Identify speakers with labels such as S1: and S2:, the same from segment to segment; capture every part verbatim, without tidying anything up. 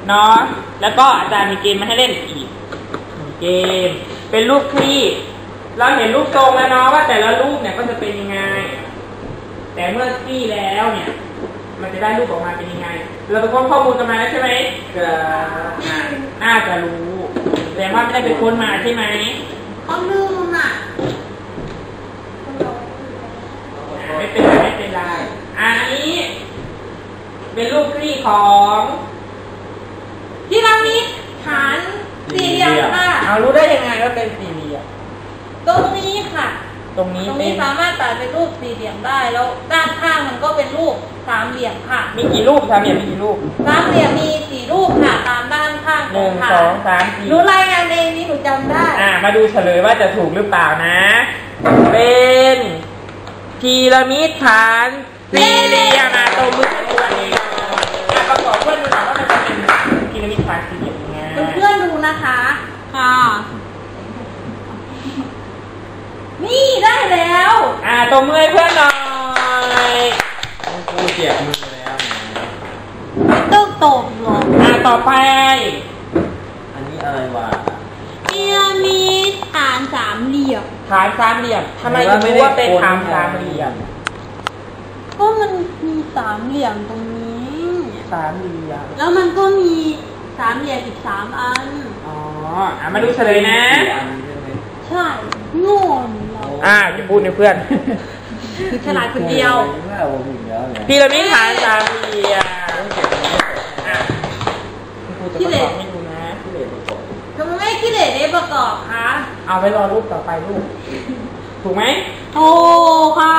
S1: เนาะแล้วก็อาจารย์มีเกมมาให้เล่นอีกเกมเป็นรูปคลี่เราเห็นรูปทรงแล้วเนาะว่าแต่ละรูปเนี่ยก็จะเป็นยังไงแต่เมื่อคลี่แล้วเนี่ยมันจะได้รูปออกมาเป็นยังไงเราไปค้นข้อมูลกันมาแล้วใช่ไหมก็น่าจะรู้แต่ว่าไม่ได้ไปค้นมาใช่ไหม
S2: ข้อลืมอ่ะ
S1: ไม่เป็นไรไม่เป็นไรอันนี้เป็นรูปคลี่ของ
S2: พีระมิดฐานสี่เหลี่ยมค่ะ
S1: เอารู้ได้ยังไงว่าเป็นสี่เหลี่ยม
S2: ตรงนี้ค่ะ
S1: ตรงนี้
S2: ตรงนี้สามารถตัดเป็นรูปสี่เหลี่ยมได้แล้วด้านข้างมันก็เป็นรูปสามเหลี่ยมค่ะ
S1: มีกี่รูปสามเหลี่ยมมีกี่รูป
S2: สามเหลี่ยมมีสี่รูปค่ะตามด้านข้าง
S1: หนึ่งสองสามสี่
S2: หนูรายงานเองนี่หนูจำได้
S1: อ่ามาดูเฉลยว่าจะถูกหรือเปล่านะเป็นพีระมิดฐานสี่เหลี่ยมมาตรงมือตัวเองประกอบเพื่อนดูหน่อยว่ามันจะเป็นพีระมิดฐานสี่เหลี่ยมยังไง
S2: เพื่อนดูนะคะค่ะนี่ได้แล้ว
S1: อ่าตรงมือเพื่อนหน่อยกูเจ็บมือแล้ว
S2: ต้องตบหรอ
S1: อ่าต่อไป
S3: อันนี้อะไรวะ
S2: พีระมิดฐานสามเหลี่ยม
S1: ฐานสามเหลี่ยมทำไมถึงรู้ว่าเป็นฐานสามเหลี่ยม
S2: ก็มันมีสามเหลี่ยมตรงนี้
S1: สามเหลี่ยม
S2: แล้วมันก็มีสามเหลี่ยมอีกสามอัน
S1: อ๋ออ่ะมาดูเฉลยนะ
S2: ใช่โง่เรา
S1: อ่าจะพูดให้เพื่อน
S2: ฉลาดคนเดียว
S1: พีระมิดฐานสามเหลี่ยม
S2: ขี้เหร่
S1: ไม่ดูนะขี้เหร่ประกอบ
S2: ทำไมไม่ขี้เหร่ได้ประกอบคะ
S1: เอาไว้รอรูปต่อไปรูปถูกไหม
S2: โอ้ค่ะ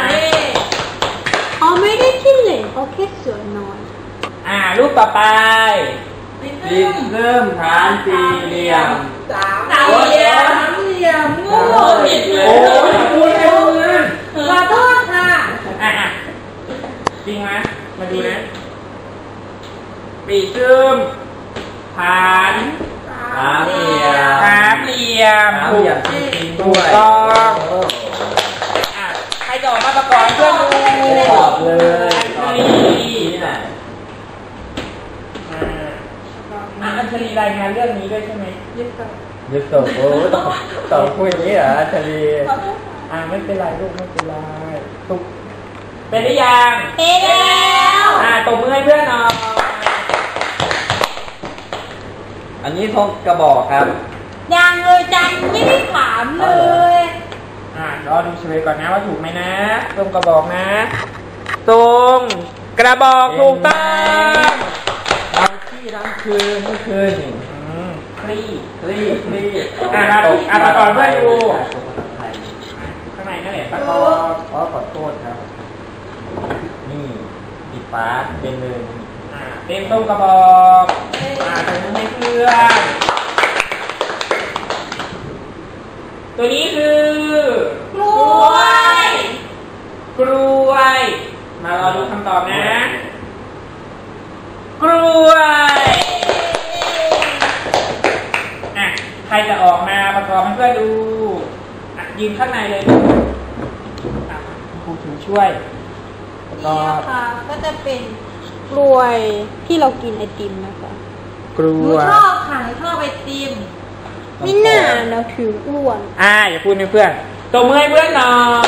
S2: เขาไม่ได้ขี้เหร่เขาแค่สวยน้อย
S1: อ่ารูปต่อไป
S3: ดินเริ่มฐานสี่เหลี่ยม
S2: สามเหลี่ยมสามเหลี่ยมโง่
S1: ผิดเลยโอ้ยพูดเร็วนะ
S2: ขอโทษค่ะ
S1: อ่ะจริงไหมมาดูนะปีซึมฐาน
S3: สามเหลี่ยม
S1: สามเหลี่ยม
S3: สามเหลี่ยมจริงๆด้วย
S1: ถูกต้องอ่ะใครจะออกมาประกอบเพื่อนดู
S3: ตอบเลยตอบนี่ไหน
S1: อ่าอัญชลีรายงานเรื่องนี้ด้วยใช่ไหม
S2: ยึดต่อ
S3: ยึดต่อโอ้ต้องต่อคุยอย่างนี้เหรออัญชลี
S1: อ่าไม่เป็นไรลูกไม่เป็นไรถูกเป็นหรือยัง
S2: เป็นแล้ว
S1: อ่าตบมือให้เพื่อนหน่อย
S3: อันนี้ทงกระบอกครับ
S2: ยังเลยจันไม่ได้ถามเลย
S1: อ่ารอดูเฉลยก่อนนะว่าถูกไหมนะตรงกระบอกนะตรงกระบอกถูกต้อง
S3: เราที่ทั้งคืนเมื่อคืน
S1: คลี่
S3: คลี่คลี่
S1: อ่าอ่าประกอบเพื่อนดูข้างในนั่นแหละประกอบ
S3: ขอขอโทษครับนี่ปิดฟ้าเป็นเลย
S1: อ่าเต็มต้มกระบอกอ่าตรงนี้เพื่อนตัวนี้คือก
S2: ล้วย
S1: กล้วยมารอดูคำตอบนะกล้วยอ่ะใครจะออกมาประกอบให้เพื่อนดูอ่ะยืนข้างในเลยอ่ะครูถึงช่วย
S2: ประกอบค่ะก็จะเป็นกล้วยที่เรากินไอติมนะคะ
S1: กล้วย
S2: ชอบค่ะชอบไอติมไม่น่าเราถืออ้วน
S1: อ่าอย่าพูดให้เพื่อนตบมือให้เพื่อนหน่อย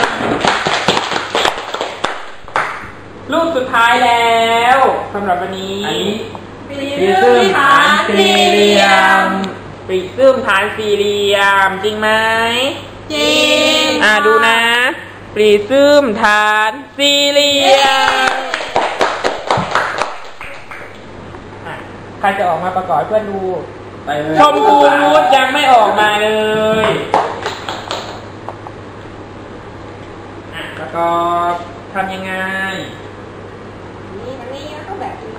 S1: รูปสุดท้ายแล้วสำหรับวันนี้
S3: ปีซึมฐานสี่เหลี่ยม
S1: ปีซึมฐานสี่เหลี่ยมจริงไหม
S2: จริง
S1: อ่าดูนะปีซึมฐานสี่เหลี่ยมใครจะออกมาประกอบเพื่อนดูชมพูนุชยังไม่ออกมาเลยอ่ะประกอบทำยังไง
S2: นี่อันนี้ก็แบบนี้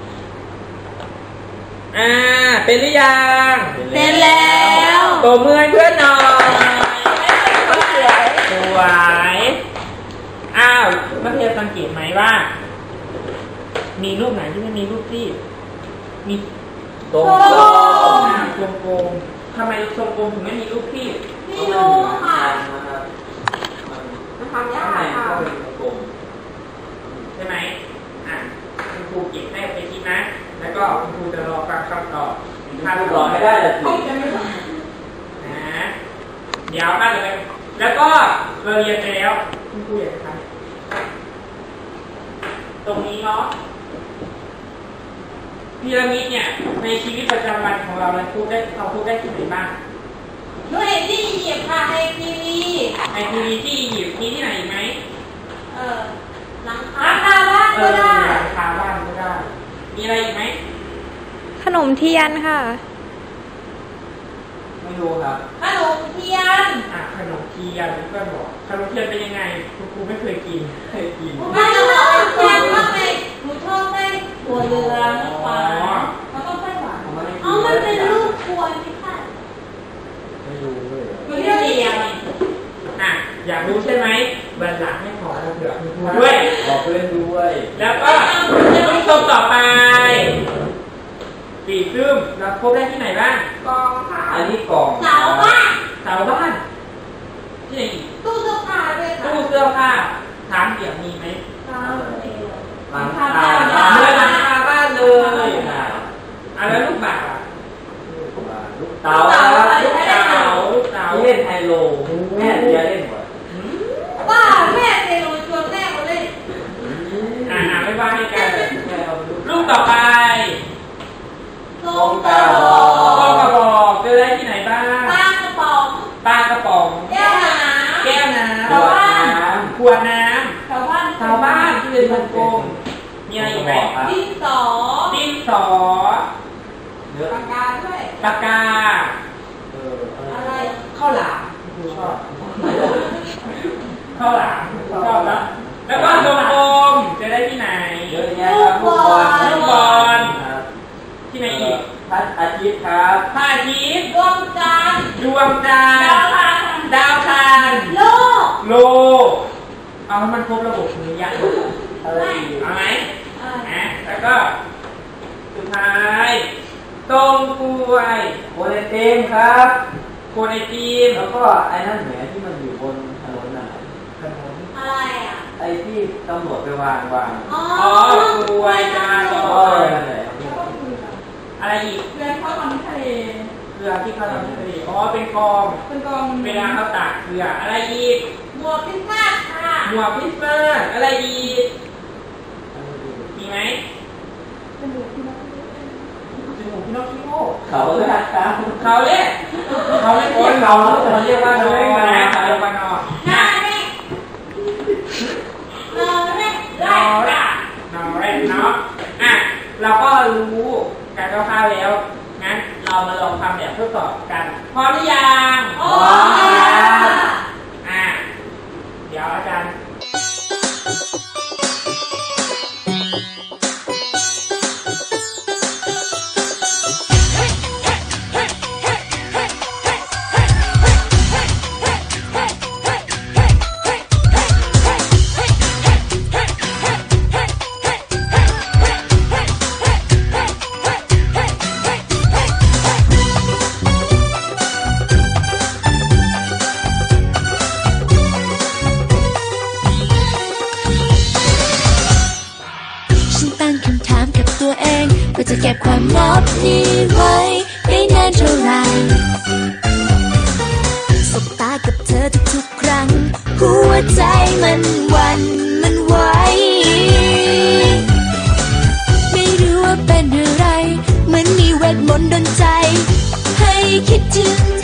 S1: อ่าเป็นหรือยัง
S2: เป็นแล้ว
S1: ตัวมือเพื่อนหน่อยสวยสวยอ้าวนักเรียนสังเกตไหมว่ามีรูปไหนที่ไม่มีรูปที่มี
S3: ตรง
S1: กลมทรงกลมทำไมทรงกลมถึงไม่มีรูปที่
S2: ไม่รู้ค่ะ
S3: มันทำยากค่ะ
S1: ใช่ไหมอ่ะคุณครูเก็บให้ไปทีนะแล้วก็ก็คุณครูจะรอฟังคำตอบถ้า
S3: รอไม่ได้เลย
S1: นะเดี๋ยวมาเลยแล้วก็เราเรียนไปแล้วคุณครูอยากทำตรงนี้เนาะพีระมิดเนี่ยในชีวิตประจำวันของเราเราพูดได้เราพูดได้ที่ไหนบ้าง
S2: หนูเห็นที่อียิปต์ค่ะในทีวี
S1: ในทีวีที่อียิปต์มีที่ไหนอีกไหม
S2: เออหลังคาบ้าน
S1: เอ
S2: ก็
S1: อ
S2: ได้
S1: หลังคาบ้านก็ได้มีอะไรอีกไหม
S2: ขนมเทียนค่ะ
S3: ไม่รู้ครับ
S2: ขนมเทียน
S1: อ่ะขนมเทียนเพื่อนบอกขนมเทียนเป็นยังไงคุณครูไม่เคยกิน
S3: เคยกิน
S2: ไม่ชอบเทียนมากเลยหนูชอบไส้ถั่วเหลืองหวานแล้วก็ไส้หวาน
S3: ผมไม่ได้กิน
S2: อ๋อมันเป็นรูปกลวยนี่ค่ะ
S3: ไม่รู้เลย
S2: มันเรียกเรียง
S1: อ่ะอยากรู้ใช่ไหมบันหลังไม่ขอเราเผื่อคุณครูด้วย
S3: บอกเพื่อนด้วย
S1: แล้วก็ลูกทรงต่อไปปีกซึมเราพบได้ที่ไหนบ้าง
S2: กองค่ะ
S3: อันนี้กล่อง
S2: เสาบ้าน
S1: เสาบ้านที่ไหนอีก
S2: ตู้เสื้อผ้าด้วยค่ะ
S1: ตู้เสื้อผ้าถามเดี๋ยวมีไหม
S2: เสาเอว
S3: หลังคา
S1: เมื่อหลังคาบ้านเลย
S3: อ่ะ
S1: อ่ะแล้วลูกบาศก์อ่ะ
S3: ลูกเต๋าครับ
S1: ลูกเต๋าลูกเต๋า
S3: เล่นไฮโลแม่เดียเล่นหมด
S1: อืม
S2: บ้าแม่เตลูชวนแม่มาเล่น
S1: อ่ะอ่ะไม่ว่าให้กัน
S3: แม่เอาไปดู
S1: ลูกต่อไป
S2: ทรงกระบอ
S1: ก็
S2: ก
S1: กระบอกเจอได้ที่ไหนบ้าง
S2: ปลากระป๋อง
S1: ปลากระป๋อง
S2: แก้วน้ำ
S1: แก้วน้
S3: ขวดน้
S1: ำขวดน้
S2: ชาวบ้าน
S1: ำชาวบ้านที่เป็นวงกลมมีอะไรอีกไหม
S2: ดินสอ
S1: ดินสอ
S3: ำเนื้อ
S2: ปากกาด้วย
S1: ปากกา
S3: เอออะ
S2: อะไร ไร
S1: ข้าวหลามชอบข้าวหลามชอบแล้วแล้วก็วงกลมเจะได้ที่ไหน
S3: เยอะแยะครับลูกบอล
S1: ลูกบอล
S3: ครับ
S1: ที่ไหนอีก
S3: พระอาทิตย์ครับ
S1: พระอาทิตย์
S2: ดวงจันทร์
S1: ดวงจันท
S2: ดาว
S1: ร์
S2: พา
S1: ดาวคาร
S2: โลก
S1: โลกเอาให้มันครบระบบนี้ยัง
S3: อะไรอีก
S1: เอาไหม
S2: อ่า
S1: นะแล้วก็สุดท้ายตรงกล้วย
S3: โอเลนเต็มครับ
S1: โคนไอติม
S3: แล้วก็ไอ้นั่นแหมที่มันอยู่บนถนนน่ะ
S1: ขนม
S2: อะไรอ่ะ
S3: ไอ้ที่ตำรวจไปวางวาง
S2: อ๋อ
S1: อ๋อกล้วยจาน
S3: ก็
S1: ก็
S3: นั่นแหละ
S1: อะไรอีก
S2: เรือเขาทำทะเล
S1: เกลือที่เขาทำที่ทะเลอ๋อเป็นกอง
S2: เป็นกอง
S1: เวลาเขาตากเกลืออะไรอีก
S2: หมวกพิซซ่าค่ะ
S1: หมวกคริสต์มาสอะไรอีกมีไหม
S2: เป็นหมวกที่นัก
S1: จมูกพินอคคิโอ
S3: เขาเลยครับ
S1: เขาเรียกเขาไม่เรียกเขาเขาเรียกว่านอนะเขาเรียกว่านอ
S2: หน้าแม่นอนแม่
S1: นอแรกนอแรกเนาะอ่ะเราก็รู้การคร่าวๆแล้วงั้นเรามาลองทำแบบทดสอบกันพร้อมหรือยัง
S2: โอ้ย
S1: อ่ะเดี๋ยวอาจารย์
S4: ก็จะเก็บความลับนี้ไว้ได้นานเท่าไรสบตากับเธอทุกๆครั้งหัวใจมันหวั่นมันไหวไม่รู้ว่าเป็นอะไรเหมือนมีเวทมนต์ดลใจให้คิดถึง